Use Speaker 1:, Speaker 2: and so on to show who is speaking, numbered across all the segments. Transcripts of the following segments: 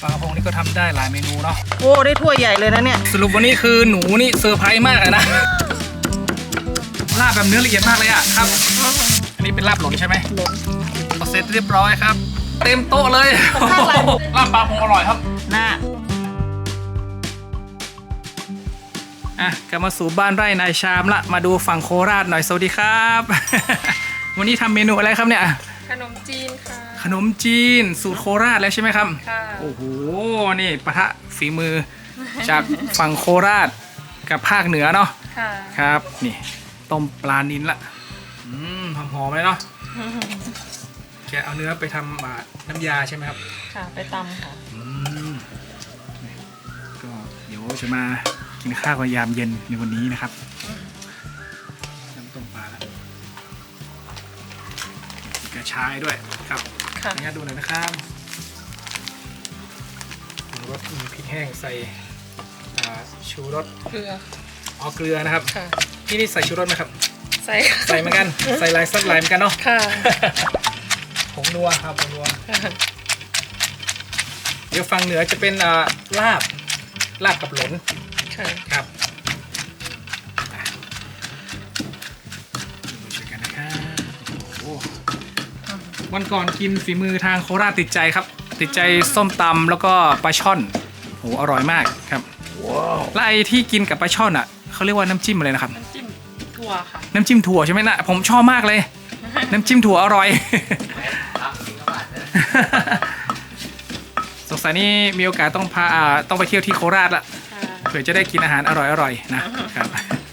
Speaker 1: ปลากระพงนี่ก็ทำได้หลายเมนูเนาะ
Speaker 2: โอ้ได้ถ้วยใหญ่เลยนะเนี่ย
Speaker 1: สรุปวันนี้คือหนูนี่เซอร์ไพรส์มากเลยนะลาบแบบเนื้อละเอียดมากเลยอะครับอันนี้เป็นลาบหลนใช่ไหม
Speaker 2: หลน
Speaker 1: เสร็จเรียบร้อยครับเต็มโต๊ะเลยลาบปลาพงอร่อยครับ
Speaker 2: น่
Speaker 1: ากลับมาสู่บ้านไร่นายชามละมาดูฝั่งโคราชหน่อยสวัสดีครับ วันนี้ทำเมนูอะไรครับเนี่ย
Speaker 3: ขนมจีนค่ะ
Speaker 1: ขนมจีนสูตรโคราชแล้วใช่ไหมครับ
Speaker 3: ค่ะ
Speaker 1: โอ้โหนี่ปะทะฝีมือจากฝั่งโคราชกับภาคเหนือเนาะ
Speaker 3: ค่ะ
Speaker 1: ครับนี่ต้มปลานิลละหอมๆเลยเนาะแกเอาเนื้อไปทำน้ำยาใช่ไหมครับ
Speaker 3: ค่ะไปตำค่ะ
Speaker 1: ก็เดี๋ยวจะมากินข้าวกันยามเย็นในวันนี้นะครับน้ำต้มปลาแล้วกระชายด้วยครับนี่ดูหน่อยนะครับรสมีพริกแห้งใส่ชูรส
Speaker 3: เกลือ
Speaker 1: เกลือนะครับที่นี่ใส่ชูรสไหมครับ
Speaker 3: ใ
Speaker 1: ส่เหมือนกันใส่ลายซับลายเหมือนกันเนาะ
Speaker 3: ค่ะ
Speaker 1: ผงนัวครับผงนัวเดี๋ยวฝั่งเหนือจะเป็นลาบกับหลนครับดูช่วยกันนะครับวันก่อนกินฝีมือทางโคราชติดใจครับติดใจส้มตำแล้วก็ปลาช่อนโหอร่อยมากครับแล้วไอ้ที่กินกับปลาช่อนอ่ะเขาเรียกว่าน้ำจิ้มอะไรนะครับ
Speaker 3: น้ำจิ้มถั่วค่ะ
Speaker 1: น้ำจิ้มถั่วใช่ไหมนะผมชอบมากเลยน้ำจิ้มถั่วอร่อยสงสัยนี่มีโอกาสต้องไปเที่ยวที่โคราชละเผื่อจะได้กินอาหารอร่อยๆนะครับ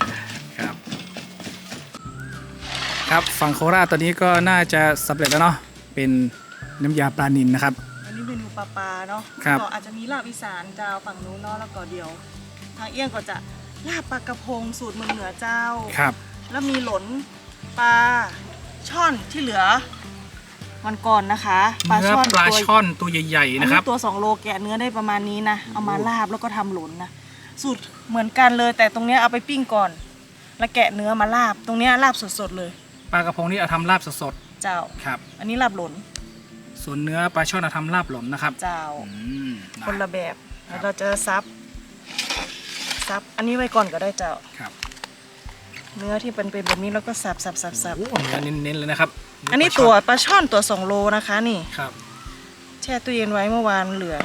Speaker 1: ครับฝั่งโคราชตอนนี้ก็น่าจะสำเร็จแล้วเนาะเป็นน้ำยาปลานิลนะครับ
Speaker 2: อันนี้เมนูปลาเนาะก็อาจจะมีลาบอีสานเจ้าฝั่งนู้นเนาะแล้วก็เดียวทางเอี้ยงก็จะลาบปลากระพงสูตรเมืองเหนือเจ้า
Speaker 1: ครับ
Speaker 2: แล้วมีหลนปลาช่อนที่เหลือวันก่อนนะคะ
Speaker 1: ปลาช่อนตัวใหญ่ๆนะครับ
Speaker 2: ตัว2 โลแกะเนื้อได้ประมาณนี้นะเอามาลาบแล้วก็ทำหลนนะสูตรเหมือนกันเลยแต่ตรงนี้เอาไปปิ้งก่อนแล้วแกะเนื้อมาลาบตรงนี้ลาบสดๆเลย
Speaker 1: ปลากระพงนี่เอาทำลาบสด
Speaker 2: ๆเจ้า
Speaker 1: ครับ
Speaker 2: อันนี้ลาบหลน
Speaker 1: ส่วนเนื้อปลาช่อนเอาทำลาบหลนนะครับ
Speaker 2: เจ้าคนละแบบแล้วเราจะซับอันนี้ไว้ก่อนก็ได้เจ้า
Speaker 1: ครับ
Speaker 2: เนื้อที่เป็นแบบนี้แล้วก็สับ
Speaker 1: โอ้เนื้อเน้นๆเลยนะครับ
Speaker 2: อันนี้ตัวปลาช่อนตัว2 โลนะคะนี่
Speaker 1: ครับ
Speaker 2: แช่ตู้เย็นไว้เมื่อวานเหลือ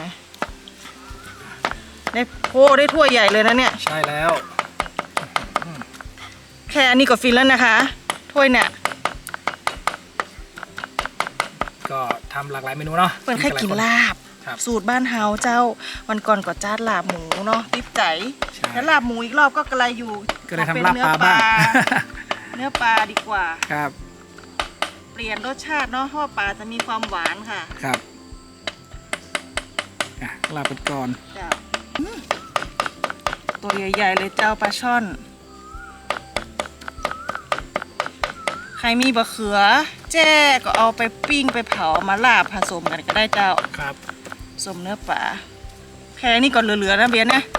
Speaker 2: ได้ถ้วยใหญ่เลยนะเนี่ย
Speaker 1: ใช่แล้ว
Speaker 2: แค่อันนี้ก็ฟินแล้วนะคะถ้วยเนี่ย
Speaker 1: ก็ทำหลากหลายเมนูเนาะ
Speaker 2: เปิดแค่กินลาบสูตรบ้านเฮาเจ้าวันก่อนก็จัดลาบหมูเนาะติดใจแล้วลาบหมูอีกรอบก็กระไรอยู่
Speaker 1: ก็เลยทำลาบปลาบ้าง
Speaker 2: เนื้อปลาดีกว่า
Speaker 1: ครับ
Speaker 2: เปลี่ยนรสชาติเนาะเพราะปลาจะมีความหวานค่ะ
Speaker 1: ครับลาบเป็นก่อน
Speaker 2: ตัวใหญ่ๆเลยเจ้าปลาช่อนใครมีบะเขือแจ้ก็เอาไปปิ้งไปเผามาลาบผสมกันก็ได้เจ้า
Speaker 1: ครับ
Speaker 2: สมเนื้อปลาแค่นี้ก่อนเหลือๆนะเบียร์นะ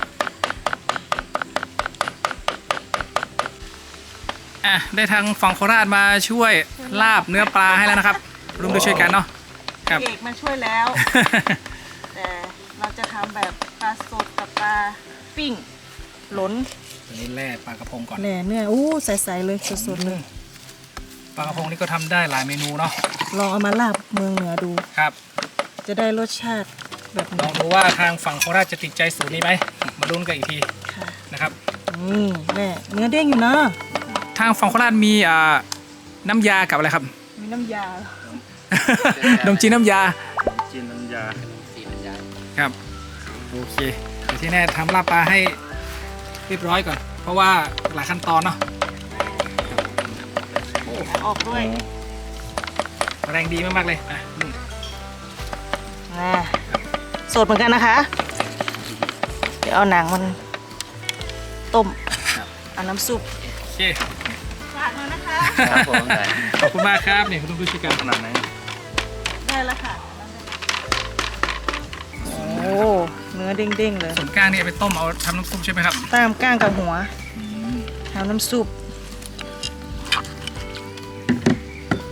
Speaker 1: ได้ทางฝั่งโคราชมาช่วยลาบเนื้อปลาให้แล้วนะครับร่วมด้วยช่วยกันเนาะ
Speaker 2: ครับเอกมาช่วยแล้วแต่เราจะทำแบบปลาสดกับปลาปิ้งหลน
Speaker 1: อันนี้แล่ปลากระพงก่อน
Speaker 2: แล่เนื้อใสๆเลยสดๆเลย
Speaker 1: ปลากระพงนี่ก็ทำได้หลายเมนูเนาะ
Speaker 2: ลองเอามาลาบเมืองเหนือดู
Speaker 1: ครับ
Speaker 2: จะได้รสชาติแบบ
Speaker 1: ลองดูว่าทางฝั่งโคราชจะติดใจสูตรนี้ไหมมาลุ้นกันอีกทีนะครับ
Speaker 2: แม่เนื้อเด้งอยู่นะ
Speaker 1: ทางฝั่งโคราชมีน้ำยากับอะไรครับ
Speaker 2: มีน้ำยา
Speaker 1: ขนมจีนน้ำยา
Speaker 3: ค
Speaker 1: รับโอเคแต่ที่แน่ทำลาบปลาให้เรียบร้อยก่อนเพราะว่าหลายขั้นตอนเนาะ
Speaker 2: ออกด้วย
Speaker 1: แรงดีมากๆเลย
Speaker 2: สดเหมือนกันนะคะเดี๋ยวเอาหนังมันต้มเอาน้ำซุป
Speaker 1: โอเค
Speaker 2: ฝากหน่อยนะคะ
Speaker 1: ขอบคุณมากครับนี่คุณต้องดูชิกันขนาดไหน
Speaker 2: ได้แล้วค่ะโอ้เนื้อเด้งๆเลย
Speaker 1: ส่วนก้างนี่ไปต้มเอาทำน้ำซุปใช่ไหมครับ
Speaker 2: ตามก้างกับหัวทำน้ำซุป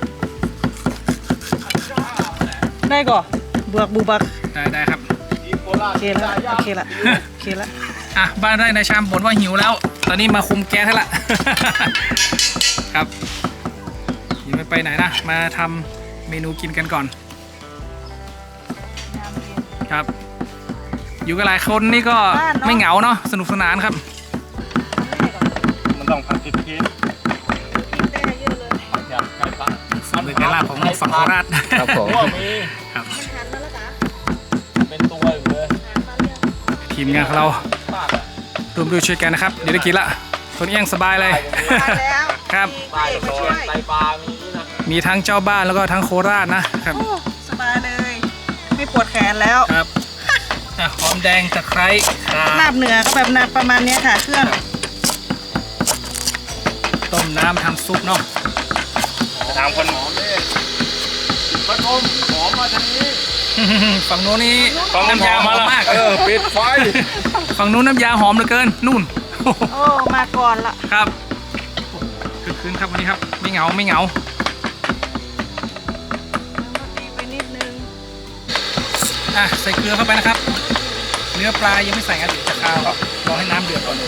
Speaker 2: ได้ก่อเบือกบูบัก
Speaker 1: ได้ครับ
Speaker 2: โอเคละโอเคละโอเคละ
Speaker 1: อ่ะบ้านไร่นายชามบ่นว่าหิวแล้ว ตอนนี้มาคุมแก๊สให้ละ ครับยังไม่ไปไหนนะ มาทำเมนูกินกันก่อน
Speaker 2: น้ำเย็น
Speaker 1: ครับ อยู่กันหลายคนนี่ก็
Speaker 2: บ้านเนอะ
Speaker 1: ไม่เหงาเนาะสนุกสนานครับ
Speaker 4: มันต้องผัดพริก
Speaker 2: แต่เยอะเลย
Speaker 4: ผัดยำไก่ปลา
Speaker 1: ฝีมือการลาบของฝั่งโคราช
Speaker 4: ครับผมมี
Speaker 1: ครับ
Speaker 2: มันหันมาแล้วจ้ะ
Speaker 4: เป็นตัวอยู่เลย
Speaker 2: หันมาเรื่อง
Speaker 1: ทีมงานของเรา
Speaker 4: ปากอะ
Speaker 1: ร่วมด้วยช่วยกันนะครับ เดี๋ยวได้กินละคนเอี้ยงสบายเลย
Speaker 2: มาแล้ว
Speaker 1: ครับ
Speaker 2: มี
Speaker 4: ปลา
Speaker 2: เอก
Speaker 4: โด
Speaker 2: มาช่วน ย
Speaker 4: ไตปลามีนี่นะ
Speaker 1: มีทั้งเจ้าบ้านแล้วก็ทั้งโคราชนะครับ
Speaker 2: โอ้สบายเลย ไม่ปวดแขนแล้ว
Speaker 1: ครับอ่ะหอมแดงตะไคร้ข่า
Speaker 2: ลาบเหนือก็แบบนาประมาณเนี้ยค่ะ เครื่อง
Speaker 1: ต้มน้ำทำซุปเนาะ
Speaker 4: ถามคนหอมดิพัดลมหอมมาทางนี้
Speaker 1: ฝั่งโน้นนี่
Speaker 4: ฟัง
Speaker 1: น้ำยาหอม
Speaker 4: ละ
Speaker 1: มาก
Speaker 4: ปิดไฟ
Speaker 1: ฝั่งโน้นน้ำยาหอมเหลือเกินนู่น
Speaker 2: โอ้ มาก่อนละ
Speaker 1: ครับคือคืนครับวันนี้ครับไม่เหงาไม่เหงา
Speaker 2: ตีไปนิดนึง
Speaker 1: อ่ะใส่เกลือเข้าไปนะครับ เนื้อปลายังไม่ใส่กันเดี๋ยวจะคาวครับรอให้น้ำเดือดก่อน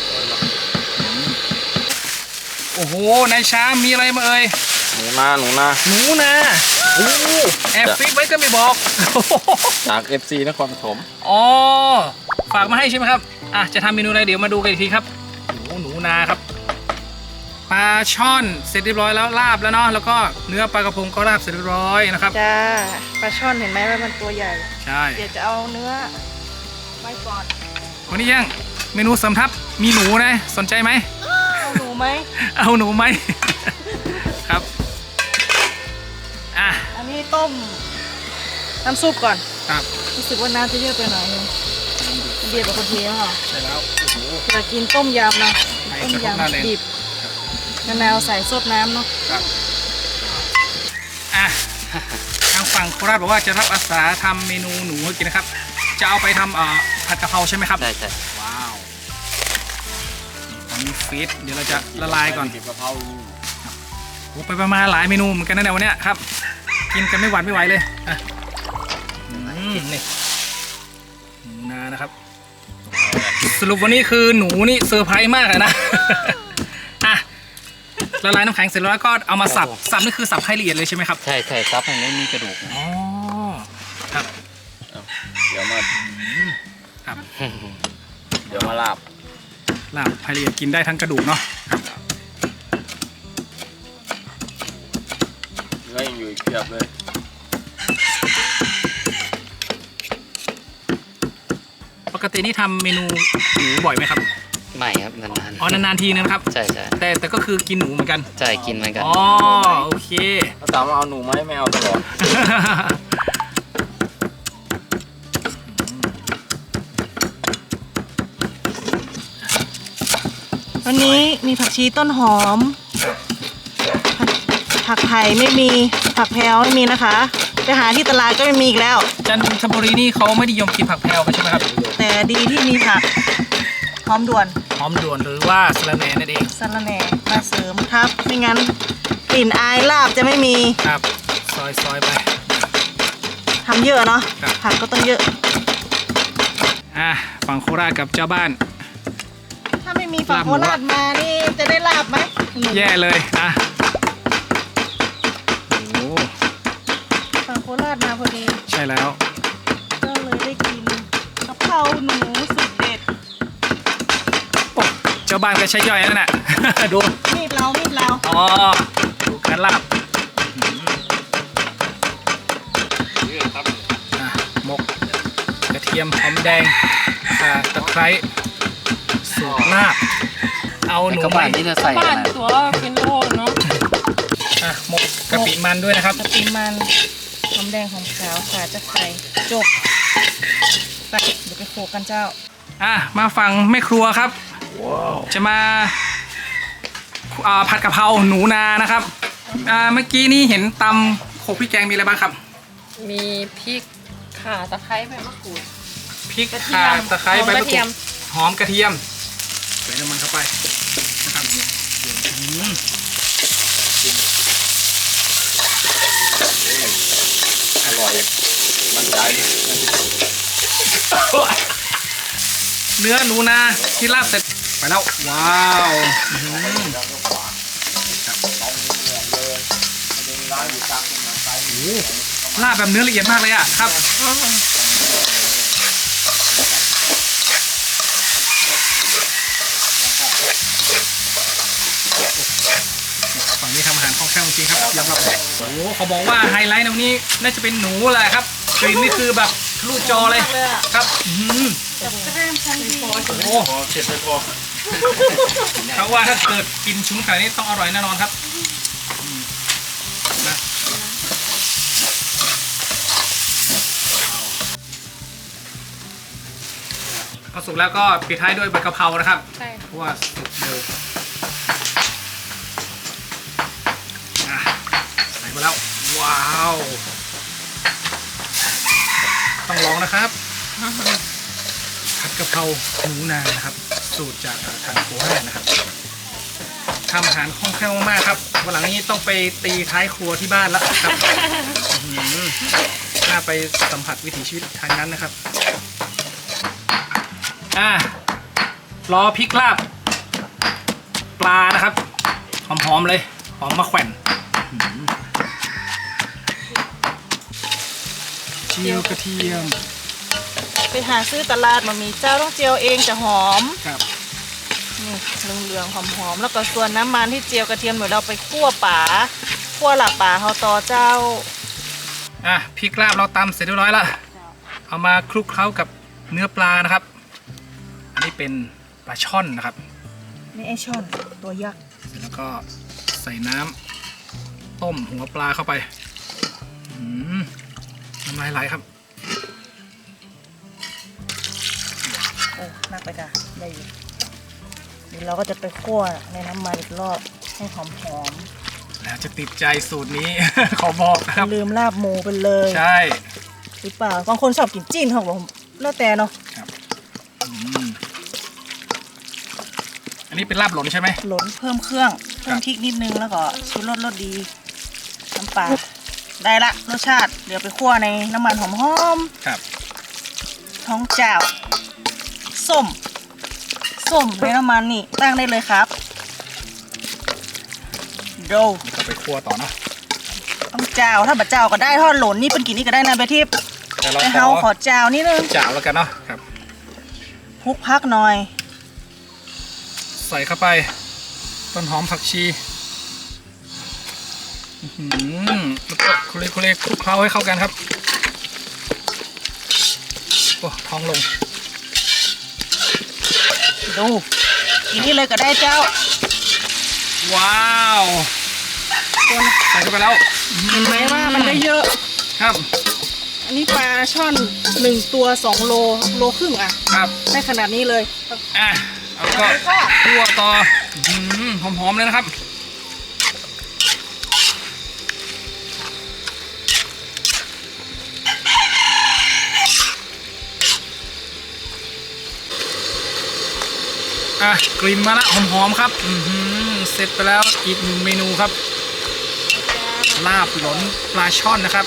Speaker 1: โอ้โหนายช้างมีอะไรมาเอ่ย
Speaker 4: หนูนา
Speaker 1: หนูนะโอ้แอบฟิกไว้ก็ไม่บอก
Speaker 4: จาก FC นครปฐม
Speaker 1: อ๋อฝากมาให้ใช่ไหมครับอ่ะจะทำเมนูอะไรเดี๋ยวมาดูกันอีกทีครับโอ้หนูนาครับปลาช่อนเสร็จเรียบร้อยแล้วลาบแล้วเนาะแล้วก็เนื้อปลากระพงก็ลาบเสร็จเรียบร้อยนะครับ
Speaker 2: จ้า ปลาช่อนเห็นไหมว่ามันตัวใหญ่
Speaker 1: ใช่
Speaker 2: เดี๋ยวจะเอาเนื้อไว้ก่อน
Speaker 1: วันนี้ยังเมนูเสริมทัพมีหนูนะสนใจไหม
Speaker 2: เอาหนูไหม
Speaker 1: เอาหนูไหม ครับอ่ะ
Speaker 2: อันนี้ต้มน้ำซุปก่อน
Speaker 1: ครับ
Speaker 2: รู้สึกว่าน้ำจะเยอะไปหน่อยนึงเดียวกับคนเทียมค่ะ
Speaker 1: ใช่แล้วโอ้โห
Speaker 2: อยากกินต้มยำนะ
Speaker 1: ไหน
Speaker 2: ต้ม
Speaker 1: จะครบหน้าเลย
Speaker 2: ยำดิบมะนาวใส่ซดน้ำเนาะ
Speaker 1: ครับอ่ะทางฝั่งโคราชบอกว่าจะรับอาสาทำเมนูหนูให้กินนะครับ จะเอาไปทำผัดกะเพราใช่ไหมครับ
Speaker 4: ใช่ใช่
Speaker 1: ว้าวตอนนี้ฟีดเดี๋ยวเราจะละลายก่อน
Speaker 4: เก็บกะเพรา
Speaker 1: โอ้ไปประมาณหลายเมนูเหมือนกันนะเนี่ยวันเนี้ยครับ กินกันไม่หวั่นไม่ไหวเลยอ่ะนี่หนูนานะครับ สรุปวันนี้คือหนูนี่เซอร์ไพรส์มากอะนะ อ่ะละลายน้ำแข็งเสร็จแล้วก็เอามาสับสับนี่คือสับให้ละเอียดเลยใช่ไหมครับ
Speaker 4: ใช่ใช่ซับให้ไม่มีกระดูก
Speaker 1: อ๋อครับ
Speaker 4: เดี๋ยวมา
Speaker 1: ครับ
Speaker 4: เดี๋ยวมาลาบ
Speaker 1: ลาบให้ละเอียดกินได้ทั้งกระดูกเนาะ
Speaker 4: เนื้อยังอยู่อีกเพียบเลย
Speaker 1: ปกตินี่ทำเมนูหนูบ่อยไหมครับ
Speaker 5: ไม่ครับนาน
Speaker 1: อ๋อนานๆทีนึงนะครับ
Speaker 5: ๆใช่ใช่
Speaker 1: แต่ก็คือกินหนูเหมือนกัน
Speaker 5: ใช่กินเหมือนกัน
Speaker 1: อ๋อโอเค
Speaker 4: ถ้าถามว่าเอาหนูไหมไม่เอาตลอด
Speaker 2: วันนี้มีผักชีต้นหอม ผักไผ่ไม่มี ผักแพรวไม่มีนะคะไปหาที่ตลาดก็ไม่มีอีกแล้ว
Speaker 1: จันทบุรีนี่เขาไม่นิยมกินผักแพรวกันใช่ไหมครับ
Speaker 2: แต่ดีที่มีผักหอมด่วน
Speaker 1: หอมด่วนหรือว่าสะระแหน่นั่นเอง
Speaker 2: สะระแหน่มาเสริมทับไม่งั้นกลิ่นอายลาบจะไม่มี
Speaker 1: ครับซอยไป
Speaker 2: ทำเยอะเนาะ
Speaker 1: ครับ
Speaker 2: ผักก็ต้องเยอะ
Speaker 1: อ่ะฝั่งโคราชกับเจ้าบ้าน
Speaker 2: ถ้าไม่มีฝั่ง
Speaker 1: ลาบห
Speaker 2: โค
Speaker 1: มู
Speaker 2: ราชมานี่จะได้ลาบไหม
Speaker 1: แย่เลยอ่ะโอ้โห
Speaker 2: ฝั่งโคราชมาพอดี
Speaker 1: ใช่แล้ว
Speaker 2: ก็เลยได้กินกะเพราหนูสุดเด็ด
Speaker 1: โอ้เจ้าบ้านก็ใช้ย่อยนั่นน่ะ ดู
Speaker 2: มีดเรามีดเรา
Speaker 1: อ๋อดูการลาบอ่ะหมกกระเทียมหอมแดงข่าตะไคร้สูตรลาบเอาหนู
Speaker 5: กระ
Speaker 1: ไหม
Speaker 5: บาดนี่จะใส่
Speaker 3: บ้า
Speaker 5: อะ
Speaker 3: น
Speaker 5: ไร
Speaker 3: ตัวเป็นโลเนาะ
Speaker 1: อ่ะหมกกะปิมันด้วยนะครับ
Speaker 2: กะปิมันหอมแดงหอมขาวขาจะไข่จบไปเดี๋ยวไปโขกกันเจ้า
Speaker 1: อ่ะมาฟังแม่ครัวครับ จะมาผัดกะเพราหนูนานะครับเมื่อกี้นี่เห็นตำโขลกพริกแกงมีอะไรบ้างครับ
Speaker 3: มีพริกข่าตะไคร้ใบมะกรูด
Speaker 1: พริก
Speaker 3: กระเที
Speaker 1: ข่าย
Speaker 3: ม
Speaker 1: ตะไคร้
Speaker 3: หอม
Speaker 1: ใบ
Speaker 3: ก
Speaker 1: มะ
Speaker 3: ระ
Speaker 1: ก
Speaker 3: เที
Speaker 1: รู
Speaker 3: ย
Speaker 1: ด
Speaker 3: ม
Speaker 1: หอมกระเทียมใส่น้ำมันเข้าไปนะครับ
Speaker 4: อร่อยมันใจ
Speaker 1: เนื้อหนูนาที่ลาบเสร็จไปแล้วว้าวอื้อหือโอ้ลาบแบบเนื้อละเอียดมากเลยอ่ะครับฝั่งนี้ทำอาหารคล่องแคล่วจริงๆครับยอมรับโอ้โหเขาบอกว่าไฮไลท์ในวันนี้น่าจะเป็นหนูแหละครับกลิ่นนี่คือแบบทะลุจอเลยครับอื้อหือ
Speaker 2: กับแก้มชั้นดี
Speaker 1: โอ้
Speaker 4: พอเสร็จไปพอ
Speaker 1: เขาว่าถ้าเกิดกินชุ้นขนาดนี้ต้องอร่อยแน่นอนครับนะพอสุกแล้วก็ปิดท้ายด้วยใบกะเพรานะครับ
Speaker 3: ใช่
Speaker 1: เพราะว่าสุกเร็วอ่ะใส่ไปแล้วว้าวต้องลองนะครับผัดกะเพราหนูนานะครับสูตรจากทางโคราชนะครับทำอาหารคล่องแคล่วมากๆครับวันหลังนี้ต้องไปตีท้ายครัวที่บ้านแล้วครับอื้อหือน่าไปสัมผัสวิถีชีวิตทางนั้นนะครับรอพริกลาบปลานะครับหอมๆเลยหอมมะแขวนเจียวกระเทียม
Speaker 2: ไปหาซื้อตลาดมามีเจ้าต้องเจียวเองจะหอม
Speaker 1: ครับ
Speaker 2: นี่เหลืองๆหอมๆแล้วก็ส่วนน้ำมันที่เจียวกระเทียมเดี๋ยวเราไปคั่วป่าคั่วหลักป่าเขาต่อเจ้า
Speaker 1: พริกลาบเราตำเสร็จเรียบร้อยแล้วเอามาคลุกเคล้ากับเนื้อปลานะครับอันนี้เป็นปลาช่อนนะครับ
Speaker 2: นี่ไอช่อนตัวยักษ์
Speaker 1: เสร็จแล้วก็ใส่น้ำต้มหัวปลาเข้าไปน้ำลายไหลครับ
Speaker 2: โอ้น่าไปจ้ะได้อยู่เดี๋ยวเราก็จะไปคั่วในน้ำมันอีกรอบให้หอม
Speaker 1: แล้วจะติดใจสูตรนี้ ขอบอกนะ
Speaker 2: ๆ
Speaker 1: ครับ
Speaker 2: ลืมลาบหมูไปเลย
Speaker 1: ใช่
Speaker 2: หรือเปล่าบางคนชอบกินจิ้นเขาบอกแล้วแต่เนาะ
Speaker 1: อันนี้เป็นลาบหล่นใช่ไหม
Speaker 2: หลนเพิ่มเครื่องเพิ่มพริกนิดนึงแล้วก็ชูรสรสดีน้ำปลาได้ละรสชาติเดี๋ยวไปคั่วในน้ำมันหอม
Speaker 1: ครับ
Speaker 2: ๆท้องเจ้าส้มในน้ำมันนี่ตั้งได้เลยครับโด
Speaker 1: นี่ก็ไปคั่วต่อเนาะ
Speaker 2: ต้องเจ้าถ้าบัดเจ้าก็ได้ทอดหล่นนี่เป็นกินนี่ก็ได้นะเบทิพย์
Speaker 1: แต่เรา
Speaker 2: แต่เฮาขอเจ้านิดนึง
Speaker 1: จ่าวแล้วกันเนาะครับ
Speaker 2: คลุกพักหน่อย
Speaker 1: ใส่เข้าไปต้นหอมผักชีแล้วก็คลุกคลุกเคล้าให้เข้ากันครับโอ้ท้องลง
Speaker 2: ดูกินนี่เลยก็ได้เจ้า
Speaker 1: ว้าวใส่เข้าไปแล้ว
Speaker 2: เห็นไหมว่ามันได้เยอะ
Speaker 1: ครับ
Speaker 2: อันนี้ปลาช่อน1ตัว2โลครึ่งอ่ะ
Speaker 1: ครับ
Speaker 2: ได้ขนาดนี้เลย
Speaker 1: แล้วก็คั่วต่อหอมๆเลยนะครับกลิ่นมาละหอมๆครับเสร็จไปแล้วอีกหนึ่งเมนูครับลาบหลนปลาช่อนนะครับ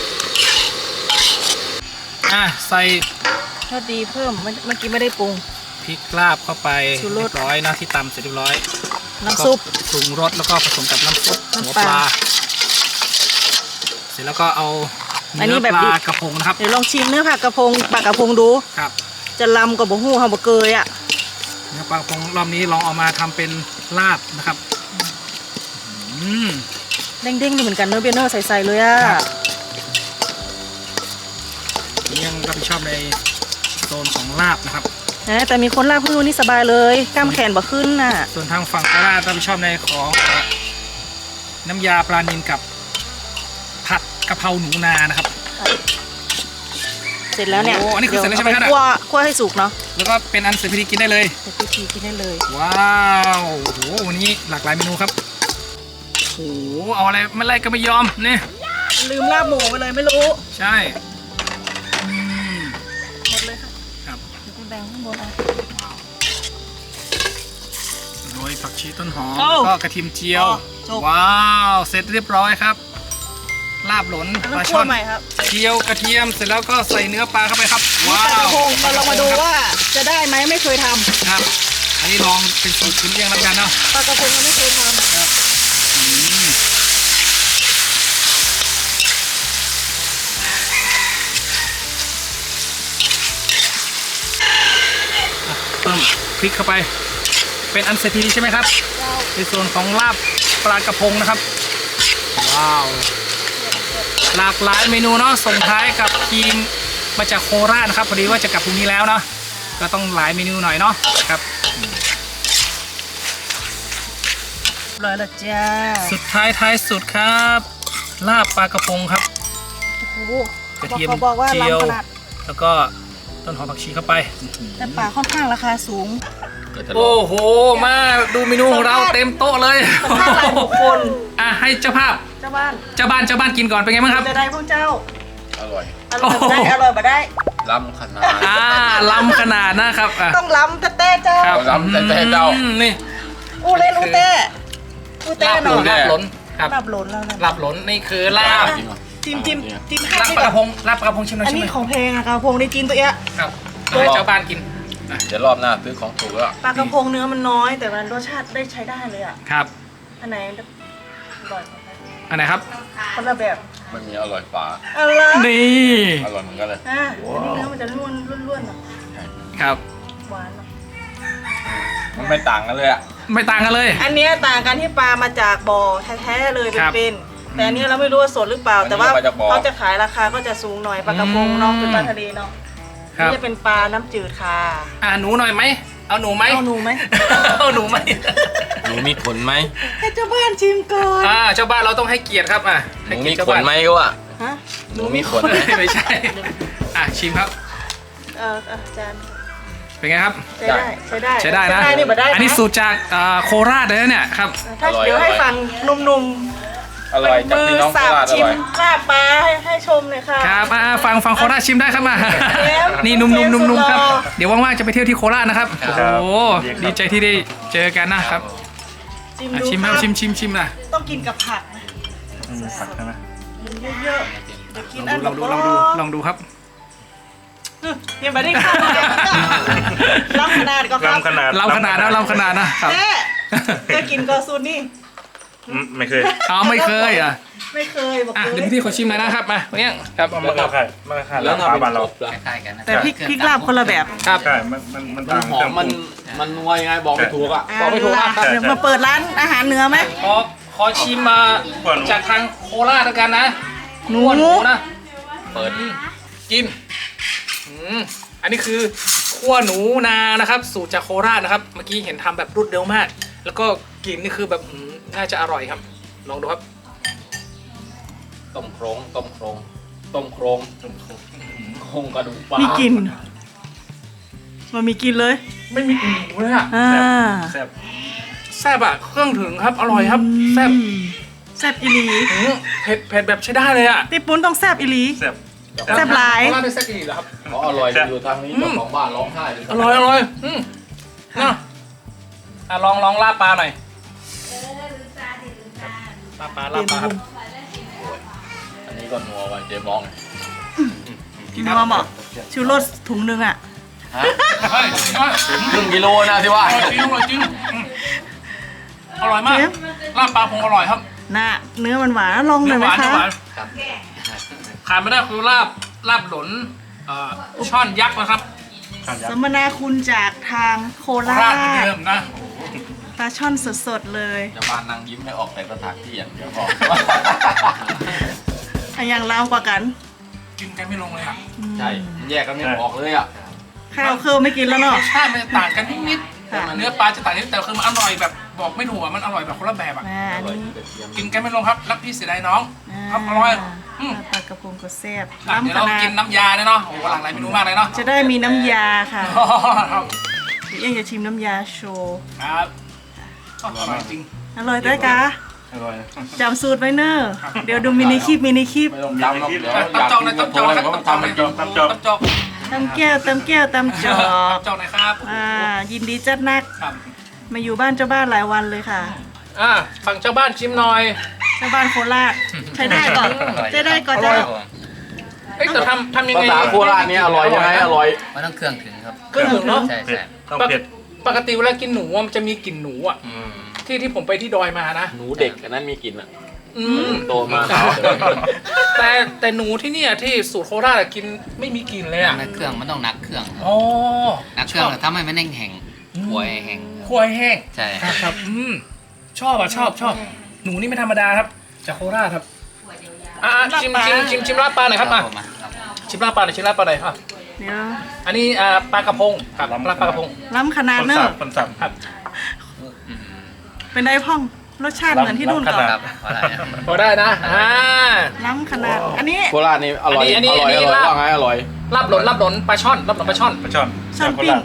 Speaker 1: ใส่
Speaker 2: ทอดดีเพิ่มเมื่อกี้ไม่ได้ปรุง
Speaker 1: พริกลาบเข้าไป
Speaker 2: ชูร
Speaker 1: เรี
Speaker 2: ส
Speaker 1: ยบร้อยนะที่ตำเสร็จเรียบร้อย
Speaker 2: น้ำซุป
Speaker 1: ปรุงรสแล้วก็ผสมกับน้ำซุปหัว
Speaker 2: น้ำ
Speaker 1: ป
Speaker 2: ปลา
Speaker 1: ลาเสร็จแล้วก็เอา
Speaker 2: อันนี้
Speaker 1: เนื้อ
Speaker 2: แบบ
Speaker 1: ป
Speaker 2: ดิ
Speaker 1: ลา
Speaker 2: บ
Speaker 1: กระพงนะครับ
Speaker 2: เดี๋ยวลองชิมเนื้อผักกระพงปลากระพงดู
Speaker 1: ครับ
Speaker 2: จะลำกับบ่หู้เฮาบ่เกยอ่ะ
Speaker 1: เนื้อปลากระพงรอบนี้ลองเอามาทำเป็นลาบนะครับ
Speaker 2: เด้งๆนี่เหมือนกันเนื้อเบเนอร์ใสๆเลยอ่ะ
Speaker 1: ครับ ยังรับผิดชอบในโซนของลาบนะครับ
Speaker 2: นะแต่มีคนลาบพื้นนี่สบายเลยกล้ามแขนบ่ขึ้นน่ะ
Speaker 1: ส่วนทางฝั่งโคราชรับผิดชอบในของน้ำยาปลานิลกับผัดกะเพราหนูนานะครับ
Speaker 2: เสร็จแล้วเนี่ย
Speaker 1: โอ้อันนี้คือเสร็จแล้วใช่ไหมครับ
Speaker 2: ดี๋ยวเอาปคั่วให้สุกเนาะ
Speaker 1: แล้วก็เป็นอันเสร็จพิธีกินได้เลย
Speaker 2: เสร็จพิธีกินได้เลย
Speaker 1: ว้าวโอ้โหวันนี้หลากหลายเมนูครับโอ้โหเอาอะไรไม่ไล่ก็ไม่ยอมนี่
Speaker 2: ลืมลาบหมูไปเลยไม่รู้
Speaker 1: ใช่
Speaker 2: หมดเลยค่ะ
Speaker 1: ครับ
Speaker 2: เดี๋ยวไปแบ่งข้างบนเอา
Speaker 1: โรยผักชีต้นหอม
Speaker 2: โอ้
Speaker 1: แล้วก็กระเทียมเจียว
Speaker 2: จบ
Speaker 1: ว้าวเสร็จเรียบร้อยครับ ลาบหลน
Speaker 2: อัน
Speaker 1: ป
Speaker 2: นั้
Speaker 1: ลาน
Speaker 2: คั่
Speaker 1: ช่
Speaker 2: ว
Speaker 1: อน
Speaker 2: ใหม่ครับ
Speaker 1: เจียวกระเทียมเสร็จแล้วก็ใส่เนื้อปลาเข้าไปครับ
Speaker 2: นี่
Speaker 1: ว้า
Speaker 2: ปลากระ
Speaker 1: ว
Speaker 2: พงเราลองมาดูว่าจะได้ไหมไม่เคยทำ
Speaker 1: ครับ อันนี้ลองเป็นสูตรคุณเลี้ยงแล้วกันเนาะ
Speaker 2: ปลากระพงยังไม่เคยทำ
Speaker 1: อืมเพิ่มพริกเข้าไป เป็นอันเสร็จทีใช่ไหมครับในส่วนของลาบปลากระพงนะครับ ว้าว หลากหลายเมนูเนาะส่งท้ายกับทีมมาจากโคราชนะครับพอดีว่าจะกลับพรุ่งนี้แล้วเนาะก็ต้องหลายเมนูหน่อยเนาะครับ
Speaker 2: ร้อยละจ้า
Speaker 1: สุดท้ายท้ายสุดครับ ลาบปลากระพงครับ
Speaker 2: โอ้โห
Speaker 1: กระเทียม
Speaker 2: เขาบอกว่า
Speaker 1: เจียว
Speaker 2: ล้ำขนาด
Speaker 1: แล้วก็ต้นหอมผักชีเข้าไป
Speaker 2: แต่ปลาค่อนข้างราคาสูง
Speaker 1: โอ้โห มาดูเมนูของเราเต็มโต๊ะเลย
Speaker 2: สัมภาษณ์หลายบุคคล
Speaker 1: อ่ะให้เจ้าภาพ
Speaker 2: เจ้าบ้าน
Speaker 1: เจ้าบ้านกินก่อนเป็นไงบ้างครับ
Speaker 2: จะได้พวกเจ้า
Speaker 4: อร่อย
Speaker 2: อร่อยบ่ได้อร่อยบ่ได้
Speaker 4: ล้ำขนาด
Speaker 1: ล้ำขนาดนะครับอ่ะ
Speaker 2: ต้องล้ำแต่เจ้า
Speaker 1: ครับ
Speaker 4: ล้ำแต่เจ้า
Speaker 1: นี่
Speaker 2: อู้เล่นอู้เต้อู้เต้
Speaker 1: ลาบ
Speaker 2: ห
Speaker 1: ห
Speaker 2: น่
Speaker 1: ล
Speaker 2: อน ย
Speaker 1: ลาบหล้นครับ
Speaker 2: ลาบหล่นแล้วนะ
Speaker 1: ลาบหล้นนี่คือลาบ
Speaker 2: จิ้มให้
Speaker 1: ลาบ
Speaker 2: ได้
Speaker 1: ปลา
Speaker 2: แบ
Speaker 1: กระ
Speaker 2: บ
Speaker 1: พงลาบปลากระพงชิมหน่อย
Speaker 2: อัน
Speaker 1: ชิม
Speaker 2: นี้
Speaker 1: หน่อย
Speaker 2: ของเพลงอะกระพงในจีนตัวเนี้ย
Speaker 1: ครับแล้วให้เจ้าบ้านกิน
Speaker 4: เดี๋ยวรอบหน้าซื้อของถูกแล้ว
Speaker 2: ปลากระพงเนื้อมันน้อย แต่มันรสชาติได้ใช้ได้เลยอะ
Speaker 1: ครับ
Speaker 2: อันไหนอร่อยกว่ากัน
Speaker 1: อันไหนครับ
Speaker 2: คนละแบบ
Speaker 4: มันมีอร่อยฝา
Speaker 2: อะไร
Speaker 1: นี่
Speaker 4: อร่อยเหมือนกันเลย
Speaker 2: อ่ะอันนี้เนื้อมันจะล้วนๆหน่อย
Speaker 1: ครับ
Speaker 2: หวานหน่อย
Speaker 4: มันไม่ต่างกันเลยอ่ะ
Speaker 1: ไม่ต่างกันเลย
Speaker 2: อันเนี้ยต่างกันที่ปลามาจากบ่อแท้ๆเลย
Speaker 1: ครับ
Speaker 2: เป็นๆแต่อันเนี้ยเราไม่รู้ว่าสดหรือเปล่า แต่ว่าเขาจะขายราคาก็จะสูงหน่อยปลากระพงเนาะเป็นปลาทะเลเนาะ
Speaker 1: ครับ
Speaker 2: นี่จะเป็นปลาน้ำจืดค่ะ
Speaker 1: หนูหน่อยไหมเอาหนูไหม
Speaker 2: เอาหนูไหม
Speaker 1: เอาหนูไหม
Speaker 4: หนูมีขนไหม
Speaker 2: ให้เจ้าบ้านชิมก่อน
Speaker 1: เจ้าบ้านเราต้องให้เกียรติครับ
Speaker 4: หนู
Speaker 1: ให้เกีย
Speaker 4: มี
Speaker 1: รติเจ้า
Speaker 4: ขน
Speaker 1: บ้าน
Speaker 4: ไหมก็ว่า
Speaker 2: ฮะ
Speaker 4: หนูมีขน
Speaker 1: ไม่ใช่ชิมครับ
Speaker 2: จาน
Speaker 1: เป็นไงครับ
Speaker 2: ใช้ได้ใช้ได้
Speaker 1: ใช้ได้นะ
Speaker 2: นี่บ่ได้
Speaker 1: อันนี้สูตรจากโคราชเลยนะเนี่ยครับ
Speaker 2: ถ้าเดี๋ยวให้ฟังหนุ่ม
Speaker 4: อร่อยจากพี่น้องโคราชอ
Speaker 2: ชิม
Speaker 4: ร่อย
Speaker 2: ลาบปลาให้ชมเลยค่ะ
Speaker 1: ครับฟังโคราชชิมได้ครับมา
Speaker 2: เชฟ
Speaker 1: นี่นุ่ม
Speaker 2: เชฟสุด
Speaker 1: ๆ
Speaker 2: หล่อ
Speaker 1: ครับ เดี๋ยวว่างๆจะไปเที่ยวที่โคราชนะครับ โอ้โห ดีใจที่ได้เจอกันนะครับ
Speaker 2: ชิม
Speaker 1: อ่ะ
Speaker 2: ดู
Speaker 1: ชิม
Speaker 2: ค
Speaker 1: ค
Speaker 2: รั
Speaker 1: รั
Speaker 2: บบ
Speaker 1: ชิมนะ
Speaker 2: ต้องกินกับผักนะ
Speaker 1: ผักใช่ไหม
Speaker 2: กินเยอะๆเดี๋ยวกินอัน
Speaker 1: ลองดูครับ
Speaker 2: ยังไม่ได้ข้าวเลยล้ำขนาดก็ครับ
Speaker 1: ลำขนาดนะครับ
Speaker 2: แม่จะกินก็ซูนี่
Speaker 5: ไม่เคย
Speaker 1: ไม่เคย
Speaker 2: ไม่เคยบอกเล
Speaker 1: เดี๋ยวย พี่ขอชิมหน่อยนะครับมาเนี่ยครับ
Speaker 5: มันก็คล้ายแล้วปลาบ้านเรา
Speaker 4: คล้ายๆกันนะ
Speaker 2: แต่พริกลาบคนละแบบ
Speaker 1: ครับ
Speaker 5: ใช่ มันต่าง
Speaker 4: หอมมันนัวยังไงบอกไม่ถูกอ่ะ
Speaker 1: บอกไม่ถูกอ่ะ
Speaker 2: เดี๋ยวมาเปิดร้านอาหารเหนือไหม
Speaker 1: ขอชิมมาจากทางโคราชแล้วกันนะ
Speaker 2: หนู
Speaker 1: หนูนะเปิดจิ้มอันนี้คือคั่วหนูนานะครับ สูตรจากโคราชนะครับ เมื่อกี้เห็นทำแบบรวดเร็วมาก แล้วก็กลิ่นนี่คือแบบน่าจะอร่อยครับ ลองดูครับ
Speaker 4: ต้มโครงโครงกระดูกปลา
Speaker 2: มีกลิ่นมันมีกลิ่นเลย
Speaker 1: ไม่มีกลิ่นหมูเลยอ่ะ
Speaker 5: แซ่บ
Speaker 1: แซ่บอ่ะเครื่องถึงครับ อร่อยครับแซ่บ
Speaker 2: แซ่บอีหลี
Speaker 1: เผ็ดแบบใช้ได้เลยอ่ะ
Speaker 2: ติปุ้นต้องแซ่บอีหลี
Speaker 5: แซ่บ
Speaker 2: แซ่บหลาย
Speaker 1: โคราชได้แซ่บอีกเหรอครับ
Speaker 4: เขาอร่อยอยู่ทางนี้เจ้าของบ้านร้องไห้เลย
Speaker 1: อร่อยนะลองลาบปลาหน่อยลาบปลาครับ
Speaker 4: อันนี้ก็นัวไว้เจ๊มอง
Speaker 2: กินมาบอกชูรสถุงนึงอ่ะ
Speaker 4: ฮะครึ่งกิโลนะที่ว่า
Speaker 1: อร่อยจริงอร่อยมากลาบปลาพงอร่อยครับ
Speaker 2: น่ะเนื้อมันหวานลองหน่อยไหมคะ
Speaker 1: ขาดไม่ได้คือลาบหลนช่อนยักษ์นะครับ
Speaker 2: สัมมนาคุณจากทางโครา
Speaker 1: ราด
Speaker 2: ช
Speaker 1: เหมือนเดิมนะ
Speaker 2: ปลาช่อนสดๆเลย
Speaker 4: จะบ้านนางยิ้มไม่ออกแต่สถานที่อย่างเดียวพอ
Speaker 2: อันยังลาวกว่ากัน
Speaker 1: กินกันไม่ลงเลยอ่ะ
Speaker 4: ใช่แยกกันไม่ออกเลยอ่ะ
Speaker 2: ข้าวเครื่องไม่กินแล้ว
Speaker 1: ร
Speaker 2: เนาะ
Speaker 1: สชาติมันจะต่างกันนิด
Speaker 2: ค่ะ
Speaker 1: ๆเนื้อปลาจะต่างนิดแต่คือมันอร่อยแบบบอกไม่ถูกอ่ะมันอร่อยแบบคนละแบบอ่ะ
Speaker 2: อันนี้
Speaker 1: กินกันไม่ลงครับรักพี่เสียดายน้องครับอร่อย
Speaker 2: ปลากระพงก็แซ่บ
Speaker 1: เดี๋ยว
Speaker 2: ล้ำข
Speaker 1: เรา
Speaker 2: นา
Speaker 1: กิ
Speaker 2: ด
Speaker 1: นน้ำยาเนี่ยเนาะโอ้โหหลากหลายเมนูมากเลยเนาะ
Speaker 2: จะได้มีน้ำยาค่ะ
Speaker 1: ครับ
Speaker 2: เอ็งจะชิมน้ำยาโชว์
Speaker 1: ครับอร่อยจริง
Speaker 2: อร่อยได้กะ
Speaker 5: อร่อย
Speaker 2: จำสูตรไว้เนอะเดี๋ยวดูมินิคลิป
Speaker 4: ไม่ต้องจำหรอกเดี๋ยวอยาก
Speaker 1: จอก
Speaker 4: กิ
Speaker 1: นะ
Speaker 4: น
Speaker 1: จ
Speaker 4: ก็
Speaker 1: อก
Speaker 4: โท
Speaker 1: จ
Speaker 4: ร
Speaker 1: อก
Speaker 4: เลย
Speaker 1: นะ
Speaker 4: เพราะมันทำให้กิน
Speaker 1: จอก
Speaker 2: ตำแก้วตำจอก
Speaker 1: จอกหน่อยครับ
Speaker 2: ยินดีจัดนัก
Speaker 1: ครับ
Speaker 2: มาอยู่บ้านเจ้าบ้านหลายวันเลยค่ะ
Speaker 1: ฝั่งเจ้าบ้านชิมหน่อย
Speaker 2: เจ้าบ้านโคราชใช้ได้ก่อนใช้ได้ก่อนเจ้า
Speaker 1: เอ้ยแต่ทำยัง
Speaker 4: ภา
Speaker 1: ไง
Speaker 4: ษาโคราชนี่อร่อยยังไงอร่อย
Speaker 6: มันต้องเครื่องถึงครับ
Speaker 1: เครื่องถึงเนาะ
Speaker 6: ใช่
Speaker 5: เผ็ด
Speaker 6: ใช่
Speaker 5: ต้องเผ็ด
Speaker 1: ปกติเวลากินหนูอะมันจะมีกลิ่นหนูอ่ะที่ผมไปที่ดอยมานะ
Speaker 4: หนูเด็กอันนั้นมีกลิ่นอ่ะ
Speaker 1: อืม
Speaker 4: โตมา
Speaker 1: แต่หนูที่เนี่ยที่สูตรโคราชอะกินไม่มีกลิ่นเลยอ่ะ
Speaker 6: ในเครื่องมันต้องนักเครื่องครับ
Speaker 1: อ๋อ
Speaker 6: นักเครื่องแต่ถ้าไม่แห้งๆหัวแห้ง
Speaker 1: คั่วให้แห้ง
Speaker 6: ใช่
Speaker 1: ครับชอบอ่ะชอบหนูนี่ไม่ธรรมดาครับจากโคราชครับชิมลาบปลาหน่อยครับ
Speaker 6: ผมครับ
Speaker 1: ชิมลาบปลาหน่อยครับ
Speaker 2: เดี๋ยว
Speaker 1: อันนี้ปลากระพงครับลาบปลากระพง
Speaker 2: ล้ำขนาด
Speaker 5: คน
Speaker 2: เน
Speaker 5: สั
Speaker 2: อะ
Speaker 5: บคนสับ
Speaker 1: ครับ
Speaker 2: เป็นไดพ่องรสชาติเหมือนที่นู่นก่อน
Speaker 6: ครับเพราะอะไรครับ
Speaker 1: พอได้นะ
Speaker 2: ล้ำขนาด อันนี้
Speaker 4: โคราชนี่อร่อย
Speaker 1: อันนี้
Speaker 4: อร่อย
Speaker 1: อันนี้
Speaker 4: อร่อย
Speaker 1: ลาบ
Speaker 4: ว่าไงอร่อย
Speaker 1: ลาบหลนปลาช่อนปลาช่อน
Speaker 5: ปลาช่อน
Speaker 2: ช่อนปิ้ง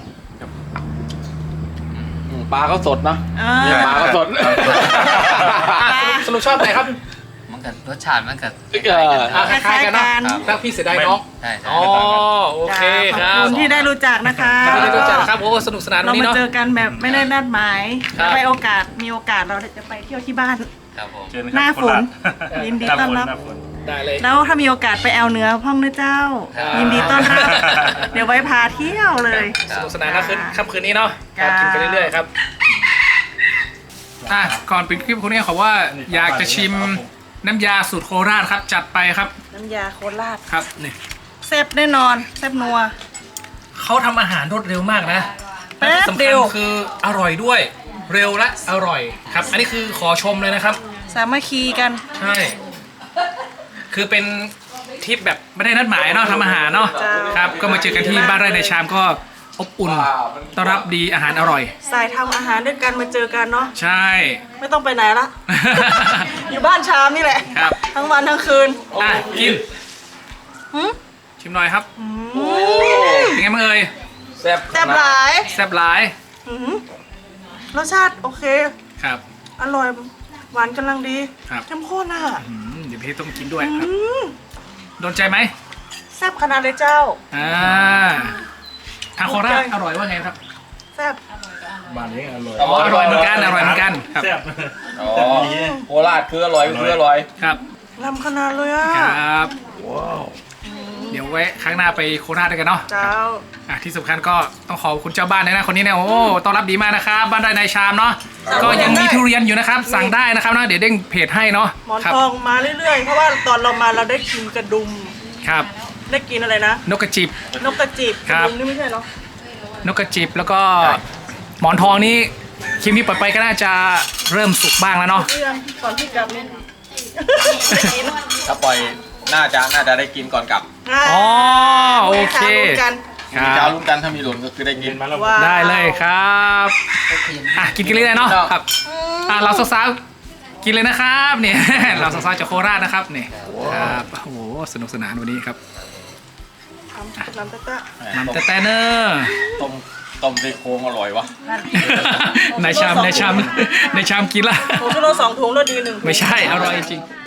Speaker 4: ปลาก็สดนะ
Speaker 2: อ่า
Speaker 4: ปลาก็สด
Speaker 1: สรุปชอบไหนครับ
Speaker 6: มันกับรสชาติมันกับ
Speaker 1: คล้ายๆกันเนาะรักพี่เสียดายน้อง
Speaker 6: ใช่ใช่
Speaker 1: อ๋อโอเคค
Speaker 2: ข
Speaker 1: รั
Speaker 2: อบบ คุณที่ได้รู้จักนะคะ
Speaker 1: ที่ได้รู้จักครับโอ้สนุกสนานวั
Speaker 2: เรา
Speaker 1: นนี้
Speaker 2: มา
Speaker 1: เนาะ
Speaker 2: เจอกันแบบไม่ได้นัดหมาย
Speaker 1: ครับ
Speaker 2: มีโอกาสเราจะไปเที่ยวที่บ้าน
Speaker 6: ครับผม
Speaker 5: เชิญครับ
Speaker 2: หน้าฝน
Speaker 5: โคราช
Speaker 2: ยินดีต้อนรับ
Speaker 5: หาฝน
Speaker 1: ได้เลย
Speaker 2: แล้วถ้ามีโอกาสไปแอลเหนือพ่องนะเจ้า
Speaker 1: ครับ
Speaker 2: ยินดีต้อนรับ เดี๋ยวไว้พาเที่ยวเลย
Speaker 1: สนุกสนานนะค่ำคืนนี้เนาะ
Speaker 2: จ้า
Speaker 1: กินกันเรื่อยๆครับก่อนปิดคลิปคนนี้เขาว่าอยากจะชิมน้ำยาสูตรโคราชครับจัดไปครับ
Speaker 2: น้ำยาโคราช
Speaker 1: ครับนี่
Speaker 2: แซ่บแน่นอนแซ่บนัว
Speaker 1: เขาทำอาหารรวดเร็วมากนะ
Speaker 2: แป๊บ
Speaker 1: และที่สำ
Speaker 2: เดี
Speaker 1: คัญ
Speaker 2: ยว
Speaker 1: คืออร่อยด้วยเร็วและอร่อยครับ อันนี้คือขอชมเลยนะครับ
Speaker 2: สามัคคีกัน
Speaker 1: ใช่ คือเป็นทริปแบบไม่ได้นัดหมายเนาะทำอาหารเนาะ
Speaker 2: จ้า
Speaker 1: ครับ ก็มาเจอกันที่บ้านไร่ในชามก็อบอุ่นต้อนรับดีอาหารอร่อย
Speaker 2: สายทำอาหารด้วยกันมาเจอกันเนาะ
Speaker 1: ใช่
Speaker 2: ไม่ต้องไปไหนละ อยู่บ้านชามนี่แหละ
Speaker 1: ครับ
Speaker 2: ทั้งวันทั้งคืน
Speaker 1: กิน
Speaker 2: หืม
Speaker 1: ชิมหน่อยครับเป็นไงบ้างเอ่ย
Speaker 4: แซ่บ
Speaker 2: แซ่บหลาย
Speaker 1: แซ่บหลาย
Speaker 2: หืมรสชาติโอเค
Speaker 1: ครับ
Speaker 2: อร่อยหวานกำลังดี
Speaker 1: ครับ
Speaker 2: เข้มข้นอ่ะ
Speaker 1: เดี๋ยวพี่ต้องกินด้วยครับ
Speaker 2: อืม
Speaker 1: โดนใจไหม
Speaker 2: แซ่บขนาดเลยเจ้า
Speaker 1: ทางโคราชอร่อยว่าไงครับ
Speaker 2: แซ่บ
Speaker 5: บ้านนี้อร่อย
Speaker 1: อร่อยเหมือนกันครับ
Speaker 5: แซ่บ
Speaker 4: อ๋อโคราชคืออร่อยคืออร่อย
Speaker 1: ครับ
Speaker 2: ลำขนาดเลยอ่ะ
Speaker 1: ครับเดี๋ยวไว้ครั้งหน้าไปโคราชด้วยกันเนาะ
Speaker 2: เจ้า
Speaker 1: ที่สำคัญก็ต้องขอบคุณเจ้าบ้านด้วยนะคนนี้เนี่ยโอ้ต้อนรับดีมากนะครับบ้านไร่ในชามเนาะก็ยังมีทุเรียนอยู่นะครับ สั่งได้นะครับนะเดี๋ยวเด้งเพจให้เนาะ
Speaker 2: หมอน
Speaker 1: ครับ
Speaker 2: ทองมาเรื่อยๆ เพราะว่าตอนเรามาเราได้กินกระดุม
Speaker 1: ครับ
Speaker 2: ได้กินอะไรนะ
Speaker 1: นกกระจิบ
Speaker 2: นกกระจิบ
Speaker 1: ค
Speaker 2: ก
Speaker 1: รั
Speaker 2: ระ
Speaker 1: บ
Speaker 2: ดุมนี่ไม่ใช่เหรอ
Speaker 1: นกกระจิบแล้วก็หมอนทองนี่คลิปนี้ปล่อยไปก็น่าจะเริ่มสุกบ้างแล้วเนาะ
Speaker 2: เรื่องก่อนที่กลับเนี่ยได้กิน
Speaker 4: ถ้าปล่อยน่าจะได้กินก่อนกลับ
Speaker 1: อ๋อโอเค
Speaker 2: รู้กัน
Speaker 1: ค
Speaker 4: มี
Speaker 1: รั
Speaker 4: เจ้า
Speaker 1: บ
Speaker 4: รุ่นกันถ้ามีหล่นก็คือได้กิน
Speaker 5: มาแล้ว
Speaker 2: ว้าว
Speaker 1: ได้เลยครับกินกันเรื่อยๆเนาะครับเราสาวๆกินเลยนะครับเนี่ย เราสาวๆจากโคราชนะครับเนี่ยครับโอ้โหสนุกสนานวันนี้ครับ
Speaker 2: น้ำตะตะ
Speaker 1: น้ำแต่เนอร์
Speaker 4: ต้มซี่โครงอร่อยวะ
Speaker 1: ในชามกินละ
Speaker 2: ผมกิโล2 ถุงแล้วดี1
Speaker 1: ไม่ใช่อร่อยจริง